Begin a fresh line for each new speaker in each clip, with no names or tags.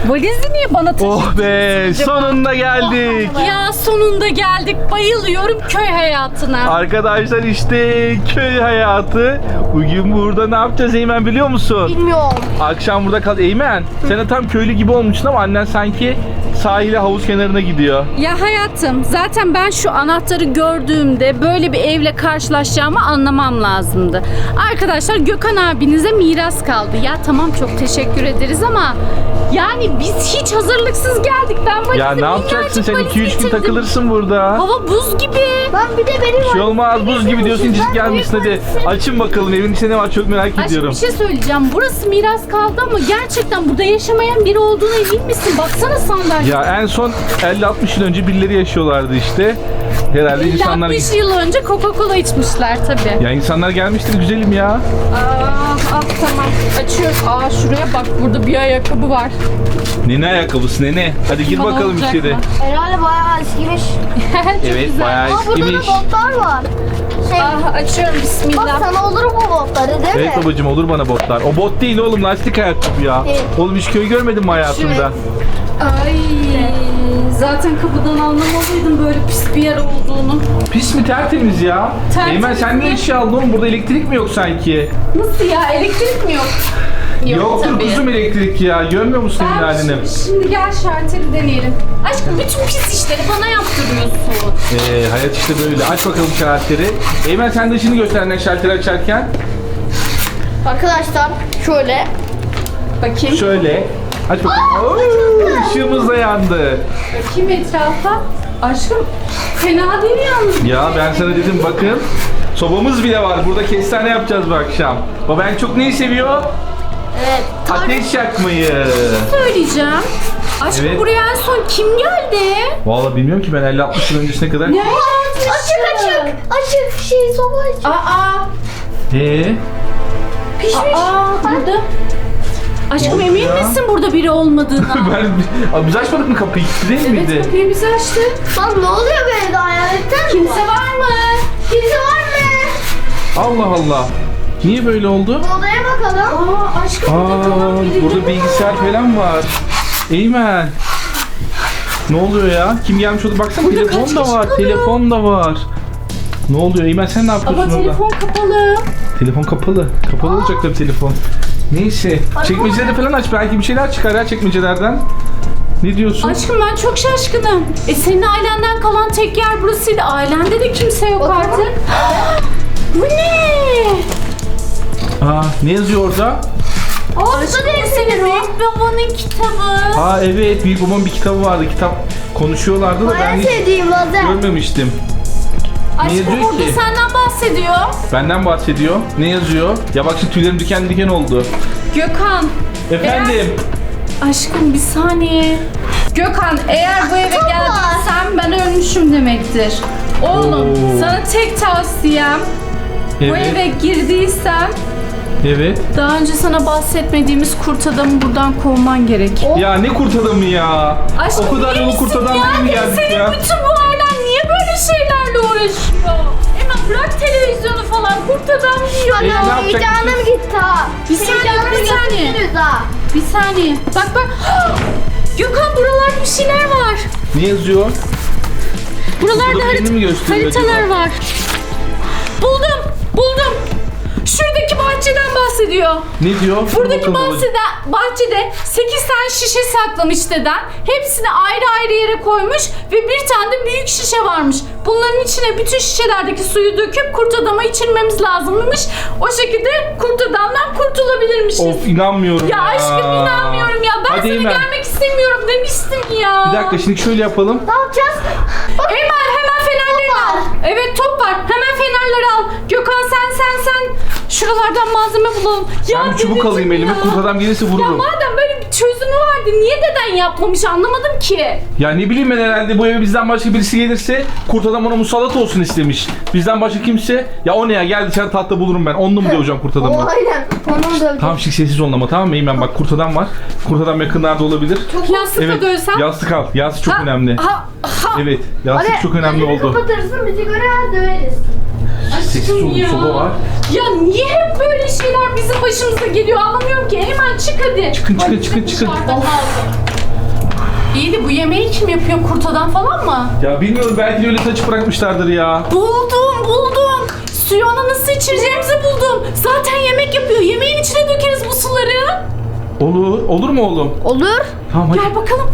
Valizi niye bana taşıdınız?
Oh be, sonunda geldik.
Ya sonunda geldik. Bayılıyorum köy hayatına.
Arkadaşlar işte köy hayatı. Bugün burada ne yapacağız Eymen biliyor musun?
Bilmiyorum.
Akşam burada kal. Eymen sen de tam köylü gibi olmuşsun ama annen sanki sahile havuz kenarına gidiyor.
Ya hayatım, zaten ben şu anahtarı gördüğümde böyle bir evle karşılaşacağımı anlamam lazımdı. Arkadaşlar Gökhan abinize miras kaldı. Ya tamam çok teşekkür ederiz ama yani biz hiç hazırlıksız geldik. Ben valizi
Ya ne yapacaksın sen
minnacık
2-3 gün
valiz getirdim.
takılırsın burada.
Hava buz gibi.
Ben bir de benim
Bir şey olmaz buz gibi diyorsun çizik gelmişsin hadi. Açın bakalım evin içinde ne var çok merak
Aşkım
ediyorum.
bir şey söyleyeceğim. Burası miras kaldı ama gerçekten burada yaşamayan biri olduğuna emin misin? Baksana sandalye.
Ya en son 50-60 yıl önce birileri yaşıyorlardı işte. Herhalde insanlar...
60 yıl önce Coca-Cola içmişler tabii.
Ya insanlar gelmiştir güzelim ya.
Al tamam. Açıyoruz. Şuraya bak burada bir ayakkabı var.
Nene ayakkabısı nene. Hadi gir
Bana
bakalım
olacak
içeri.
mı?
Herhalde bayağı eskimiş.
Çok
Evet
güzel.
bayağı
Burada da
eskimiş.
botlar var.
Açıyorum
Bak
bismillah.
sana olur bu botları değil mi?
Evet babacım olur bana botlar. O bot değil oğlum lastik ayakkabı ya.
Evet.
Oğlum hiç köy görmedin mi hayatında?
Ay. Zaten kapıdan anlamalıydım böyle pis bir yer olduğunu.
Pis mi tertemiz ya?
Tertemiz
Eymen sen ne
mi?
eşya aldın oğlum? Burada elektrik mi yok sanki?
Nasıl ya? Elektrik mi yok?
Yoktur
tabii.
kuzum elektrik ya. Görmüyor musun senin halini?
Şimdi gel şarteli deneyelim. Aşkım bütün pis işleri bana yaptırıyorsun.
Hayat işte böyle. Aç bakalım şalteri. Eymen sen de ışını göster ne şalteri açarken.
Arkadaşlar şöyle.
Bakayım.
Şöyle. Aç bakalım. Oo, ışığımız da yandı.
Bakayım etrafa. Aşkım fena değil yalnız.
Ya ben sana dedim bakın. Sobamız bile var. Burada kestane yapacağız bu akşam. Baba en çok neyi seviyor?
Evet.
Ateş yakmayı.
Söyleyeceğim. Aşkım
Evet.
buraya en son kim geldi?
Vallahi bilmiyorum ki ben 50-60 yıl öncesine kadar.
Ne?
Açık şey soba açık.
Aa.
Pişmiş.
Burada. Aşkım
Ne oldu
emin
ya?
misin burada biri olmadığına?
Biz açmadık mı kapıyı? Kilitli değil miydi?
Evet kapıyı biz açtık.
Lan ne oluyor böyle de hayaletten mi?
Kimse var mı?
Kimse var mı?
Allah Allah. Niye böyle oldu?
Odaya bakalım.
Aşkım burada kalan biri
Burada
mi
bilgisayar
var?
falan var. Eymen. Ne oluyor ya? Kim gelmiş oldu? Baksana
Burada
telefon
kaç
da
kişi
var.
kalıyor?
Telefon da var. Ne oluyor Eymen sen ne yapıyorsun
Ama
orada?
telefon kapalı.
Telefon kapalı. Kapalı olacak tabii telefon. Neyse. Çekmeceleri falan aç. Belki bir şeyler çıkar ya çekmecelerden. Ne diyorsun?
Aşkım ben çok şaşkınım. Senin ailenden kalan tek yer burasıydı. Ailende de kimse yok
Bakalım.
artık. Bu ne?
Ne yazıyor orada?
Aşkım senin büyük babanın kitabı.
Evet büyük babamın bir kitabı vardı. Kitap konuşuyorlardı da ben
En
hiç
sevdiğim lazer.
görmemiştim.
Aşkım
yazıyor
burada
ki?
senden bahsediyor.
Benden bahsediyor. Ne yazıyor? Ya bak şimdi tüylerim diken diken oldu.
Gökhan.
Efendim.
Aşkım bir saniye. Gökhan eğer bu eve
Kitap var.
geldiysen ben ölmüşüm demektir. Oğlum
Oo.
sana tek tavsiyem bu
Evet.
eve girdiysen
Evet.
daha önce sana bahsetmediğimiz kurt adamı buradan kovman gerek.
Ya ne kurt adamı ya?
Aşkım
o kadar
iyi
yolu kurt
misin
adam
ya?
değil mi geldik
Senin
ya?
bütün bu ailen niye böyle şeylerle uğraşıyor? Hemen bırak televizyonu falan kurt adam diyor
ne
ya.
yapacak?
Heyecanım gitti ha.
Bir saniye,
Heyecanım
bir saniye.
yapıştırıyoruz ha.
Bir saniye. Bak bak. Gökhan buralarda bir şeyler var.
Ne yazıyor?
Buralarda
Burada birini mi gösteriyor
haritalar
acaba?
var. Buldum. Şuradaki bahçeden bahsediyor.
Ne diyor?
Buradaki
Bakalım babacığım.
bahçede 8 tane şişe saklamış deden. Hepsini ayrı ayrı yere koymuş ve bir tane de büyük şişe varmış. Bunların içine bütün şişelerdeki suyu döküp kurt adama içirmemiz lazımmış. O şekilde kurt adamdan kurtulabilirmişiz.
Of inanmıyorum
Ya aşkım inanmıyorum ya. Ben
Hadi
seni
Eymen.
gelmek istemiyorum demiştim ya.
Bir dakika şimdi şöyle yapalım.
Ne yapacağız?
Eymen hemen fenerleri
Top var.
al. Evet top var. Hemen fenerleri al. Gökhan sen. Şuralardan malzeme bulalım.
Ben bir çubuk
dedeciğim
alayım elime.
ya.
Kurt adam gelirse
Ya
vururum.
madem böyle bir çözümü vardı niye deden yapmamış anlamadım ki.
Ya ne bileyim ben herhalde bu eve bizden başka birisi gelirse kurt adam ona musallat olsun istemiş. Bizden başka kimse ya o ne ya gel dışarı tahta bulurum ben. Onunla mı döveceğim kurt adamı?
Aynen. Onu da
Tamam şimdi sessiz olun ama tamam mı Eymen bak kurt adam var. Kurt adam yakınlarda olabilir.
Yastıkla
Evet
dövsem.
yastık al. Yastık çok önemli.
Ha.
Evet yastık çok önemli
gözünü
oldu.
kapatırsın bizi göremez döveriz.
Sessiz olun
Ya.
soba var.
Ya niye hep böyle şeyler bizim başımıza geliyor anlamıyorum ki. Hemen çık hadi.
Çıkın, çıkın,
Valizim
çıkın, çıkın.
dışarıda kaldı. İyi de bu yemeği kim yapıyor? Kurt adam falan mı?
Ya bilmiyorum, belki de öyle saçı bırakmışlardır ya.
Buldum. Suyu ona nasıl içireceğimizi buldum. Zaten yemek yapıyor. Yemeğin içine dökeriz bu suları.
Olur mu oğlum?
Olur.
Tamam hadi.
Gel bakalım.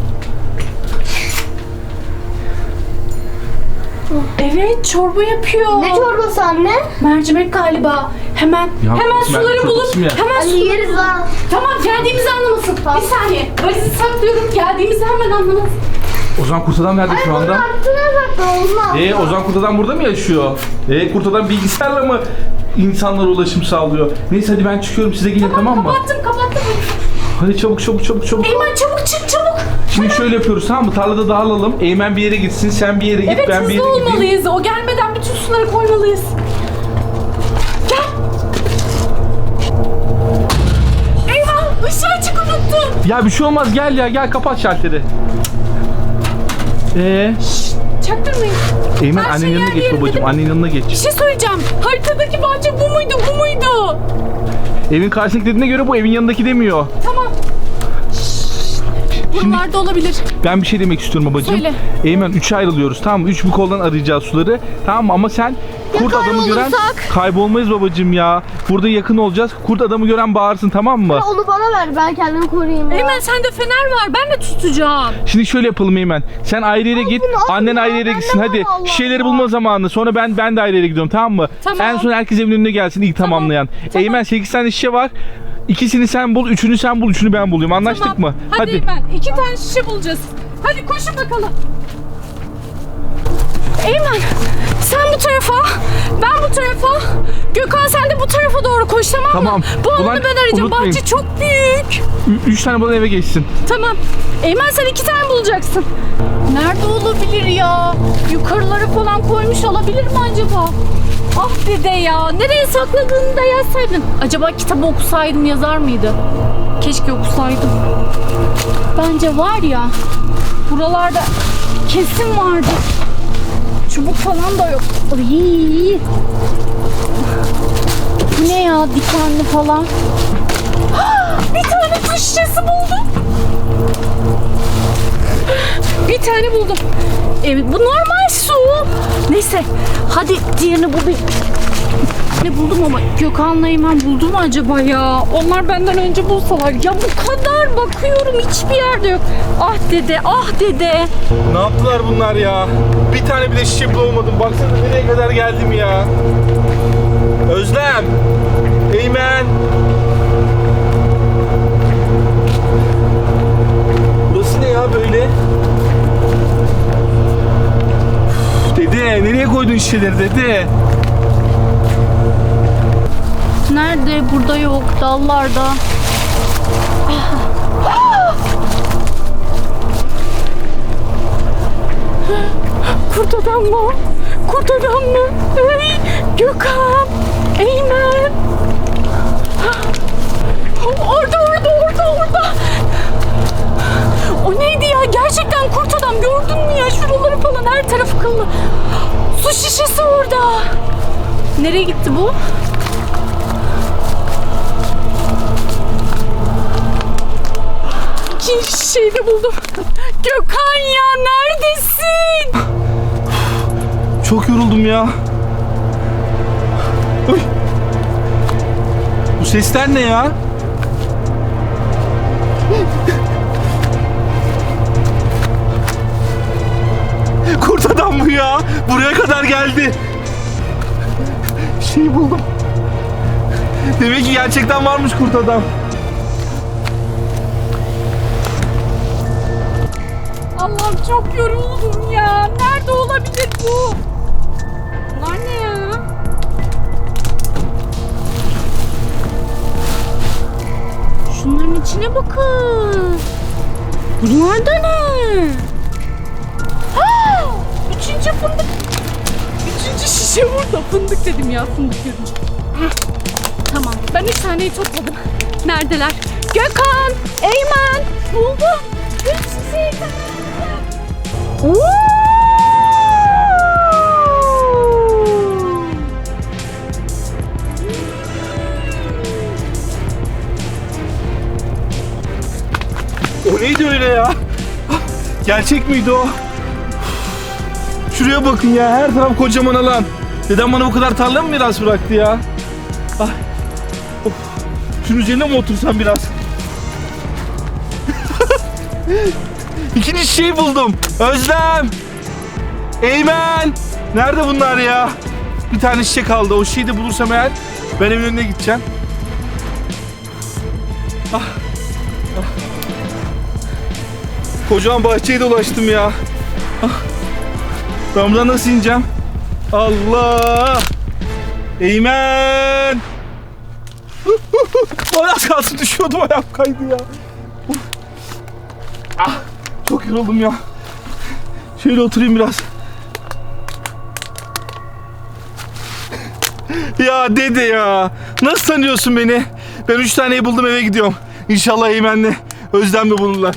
Evet, çorba yapıyor.
Ne çorbası anne?
Mercimek galiba. Hemen
mercimek
suları bulup
çorbası mı ya?
hemen
Hadi
suları
yeriz ha.
Tamam, geldiğimizi anlamasın. Bir saniye. Valizi saklıyorum. Geldiğimizi hemen anlamasın.
Ozan kurt adam nerede şu anda?
Aklına da olmaz.
Ozan kurt adam burada mı yaşıyor? Kurt adam bilgisayarla mı insanlara ulaşım sağlıyor? Neyse hadi ben çıkıyorum, size gelin tamam mı?
Kapattım.
Hadi çabuk.
Eymen çabuk çık çabuk.
Şimdi şöyle yapıyoruz tamam mı? Tarlada dağılalım. Eymen bir yere gitsin, sen bir yere git,
Evet,
ben bir yere
hızlı
gideyim.
olmalıyız. O gelmeden bütün suları koymalıyız. Gel. Eyvah, ışığı açık unuttum.
Ya bir şey olmaz, gel kapat şalteri.
Çaktırmayın.
Eymen
Her
annenin
şey
yanına
yer
geç
yerinde
babacığım,
değil mi?
annenin yanına geç.
Bir şey söyleyeceğim. Haritadaki bahçe bu muydu?
Evin karşısındaki dediğine göre bu evin yanındaki demiyor.
Tamam. Buralarda olabilir.
Ben bir şey demek istiyorum babacığım.
Söyle.
Eymen 3'e ayrılıyoruz tamam mı? 3 bu koldan arayacağız suları. Tamam mı? Ama sen kurt adamı gören kaybolmayız babacığım ya. Burada yakın olacağız. Kurt adamı gören bağırsın tamam mı?
Onu bana ver, ben kendimi koruyayım ya.
Eymen sende fener var. Ben de tutacağım.
Şimdi şöyle yapalım Eymen. Sen ayrı yere git.
bunu
Annen
alma
ayrı
ya,
yere
bende
gitsin.
var
Hadi
Allah
şişeleri
Allah.
bulma zamanı. Sonra ben de ayrı yere gidiyorum tamam mı?
Tamam.
En son herkes evin önüne gelsin ilk tamamlayan. Eymen 8 tane şişe var. İkisini sen bul, üçünü sen bul, üçünü ben bulayım. Anlaştık
Tamam.
mı?
Hadi Eymen. 2 tane şişe bulacağız. Hadi koşun bakalım. Eymen sen bu tarafa, ben bu tarafa. Gökhan sen de bu tarafa doğru koş tamam mı?
Tamam.
Bu alanı
Ulan,
ben arayacağım.
unutmayın.
Bahçe çok büyük.
3 tane bulan eve geçsin.
Tamam. Eymen sen 2 tane bulacaksın. Nerede olabilir ya? Yukarılara falan koymuş olabilir mi acaba? Ah dede ya. Nereye sakladığını da yazsaydın. Acaba kitabı okusaydım yazar mıydı? Keşke okusaydım. Bence var ya. Buralarda kesin vardı. Çubuk falan da yok. Iy. Bu ne ya? Dikenli falan. Bir tane su şişesi buldum. Bir tane buldum. Evet bu normal su. Neyse hadi diğerini bulayım. Ne buldum ama Gökhan'la Eymen buldu mu acaba ya? Onlar benden önce bulsalar. Ya bu kadar bakıyorum hiçbir yerde yok. Ah dede.
Ne yaptılar bunlar ya? Bir tane bile şişe bulamadım. Baksana nereye kadar geldim ya. Özlem. Eymen. Burası ne ya böyle? Üf, dede nereye koydun şişeleri dede?
Nerede? Burada yok. Dallarda. Kurt adam mı? Kurt adam mı? Ey, Gökhan. Eymen. Orada. O neydi ya? Gerçekten kurt adam. Gördün mü ya? Şuraları falan her tarafı kıllı. Su şişesi orada. Nereye gitti bu? İkinci şişeyi de buldum. Gökhan ya neredesin?
Çok yoruldum ya. Uy. Bu sesler ne ya? Kurt adam bu ya. Buraya kadar geldi. Şey buldum. Demek ki gerçekten varmış kurt adam.
Allah'ım çok yoruldum ya. Nerede olabilir bu? Bunlar ne ya? Şunların içine bakın. Bunlar da ne? Ha! Üçüncü fındık. Üçüncü şişe burada. Fındık dedim ya, fındık görünce. Heh. Tamam. Ben 3 taneyi topladım. Neredeler? Gökhan! Eymen! Buldum. 3 şişeyi tamamladım.
O neydi öyle ya? Gerçek miydi o? Şuraya bakın ya, her taraf kocaman alan. Dedem bana bu kadar tarla mı miras bıraktı ya? Ay. Of. Şunun üzerine mi otursam biraz? İkinci şeyi buldum. Özlem. Eymen. Nerede bunlar ya? Bir tane şişe kaldı. O şişeyi de bulursam eğer ben evin önüne gideceğim. Ah. Ah. Kocaman bahçeyi dolaştım ya. Ah. Ben buradan nasıl ineceğim? Allah! Eymen! Az kalsın düşüyordum, ayağım kaydı ya. Ah, çok yoruldum ya. Şöyle oturayım biraz. Ya dede ya. Nasıl tanıyorsun beni? Ben 3 taneyi buldum, eve gidiyorum. İnşallah Eymen'le Özlem'le bulurlar.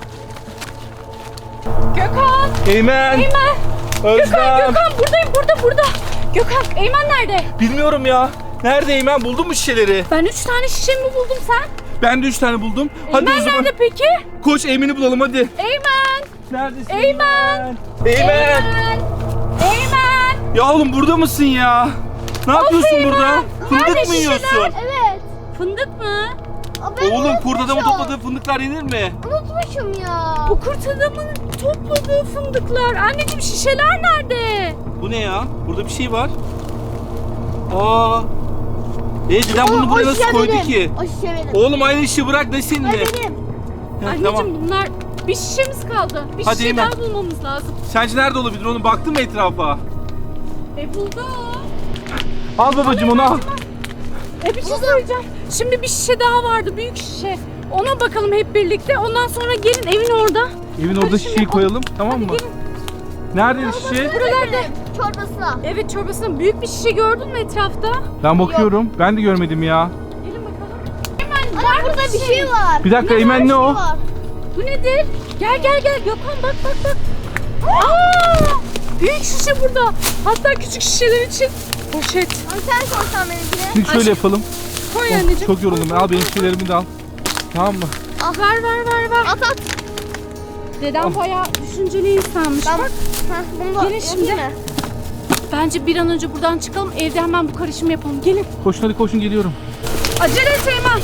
Gökhan!
Eymen!
Eymen!
Özlem!
Gökhan buradayım, burada. Gökhan, Eymen nerede?
Bilmiyorum ya. Nerede Eymen? Buldun mu şişeleri?
Ben 3 tane şişe mi buldum sen?
Ben de 3 tane buldum. Hadi
Eymen
o zaman.
nerede peki?
Koş Eymen'i bulalım hadi.
Eymen!
Neredesin?
Eymen!
Eymen!
Eymen!
Ya oğlum burada mısın ya? Ne yapıyorsun
Eymen!
burada? Fındık
Nerede
mı
şişeler?
yiyorsun?
Evet.
Fındık mı?
Ben
Oğlum kurt adamı
unutmuşum.
topladığı fındıklar yenir mi?
Unutmuşum ya.
Bu kurt adamın topladığı fındıklar. Anneciğim şişeler nerede?
Bu ne ya? Burada bir şey var. Aa. Dedem bunu buraya nasıl koydu ki?
O şişe benim.
Oğlum aynı işi bırak ne
O
seninle?
benim.
Heh,
Anneciğim
tamam.
bunlar bir şişemiz kaldı. Bir
Hadi
şişe
Eymen.
daha bulmamız lazım.
Sence nerede olabilir? Onu baktın mı etrafa?
Buldum.
Al babacığım onu al.
Bir şey söyleyeceğim. Şimdi bir şişe daha vardı, büyük şişe. Ona bakalım hep birlikte. Ondan sonra gelin evin orada.
Evin orada şişeyi koyalım, tamam mı?
Gelin.
Nerede şişe?
Buralarda.
Çorbasına.
Evet, çorbasının büyük bir şişe gördün mü etrafta?
Ben bakıyorum. Ben de görmedim ya.
Gelin bakalım. Hemen
Anne burada bir şey var.
Bir dakika Eymen ne o?
Var.
Bu nedir? Gel Gökhan bak. Aa! Büyük şişe burada. Hatta küçük şişeler için poşet.
Ama sen sorsan benimkine.
Şimdi şöyle yapalım.
Koy
Oh,
anneciğim.
çok yoruldum. Al benim şeylerimi de al. Tamam mı?
Ver.
At.
Dedem bayağı düşünceli insanmış.
Ben
Bak.
bunu da
Gelin şimdi.
yapayım mı?
Bence bir an önce buradan çıkalım. Evde hemen bu karışımı yapalım. Gelin.
Koşun hadi koşun geliyorum.
Acele et Eymen.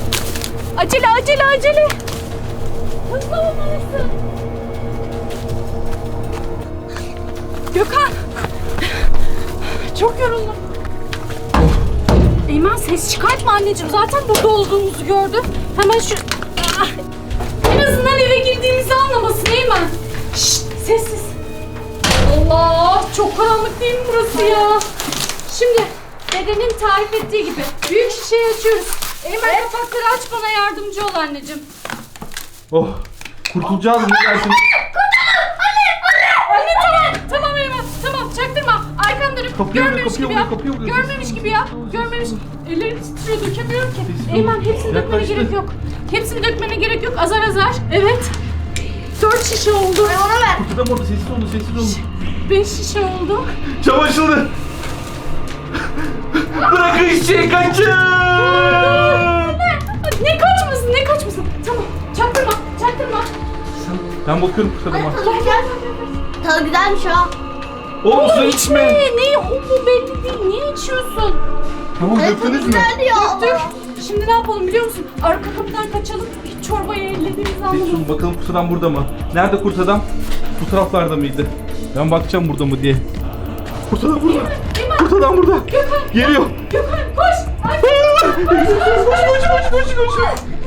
Acele. Hızlı olmalısın. Gökhan. Çok yoruldum. Eymen ses çıkartma anneciğim. Zaten burada olduğumuzu gördü. Hemen şu... Ah! En azından eve girdiğimizi anlamasın Eymen. Şşt, sessiz. Allah, çok karanlık değil mi burası ya? Şimdi dedenin tarif ettiği gibi büyük şişeyi açıyoruz. Eymen kapakları aç, bana yardımcı ol anneciğim.
Oh, kurtulacağız mı dersin?
Anne tamam Eymen, tamam çaktırma. Arkamda dönüp
Kapıya vuruyor,
görmemiş
kapıya
gibi yap.
vuruyor, kapıya vuruyor.
Görmemiş gibi yap. Görmemiş. Ellerim titriyor, dökemiyorum ki.
Sessiz ol.
Eymen hepsini dökmene
Yaklaştı.
gerek yok. Hepsini dökmene gerek yok. Azar. Evet. 4 şişe oldu.
Ona ver.
Kurt adam orada, sessiz olun.
5 şişe oldu.
Cam açıldı. Bırakın şişeyi, kaçın.
Ne kaçmasın? Tamam. Çaktırma.
Ben bakıyorum kurt adama.
Gel.
Tadı güzelmiş ha.
Oğlum su içme.
Ne? O bu belli değil. Niye içiyorsun?
Tamam
Tadı
döktünüz mü?
güzel diyor
Dök.
ama.
Şimdi ne yapalım biliyor musun? Arka kapıdan kaçalım. Hiç çorbayı ellediğimizi
Sessiz
anlamayalım.
olun, bakalım kurt adam burada mı? Nerede kurt adam? Bu taraflarda mıydı? Ben bakacağım burada mı diye. Kurt adam burada. Kurt adam burada. Geliyor.
Gökhan koş. Ay,
Koş.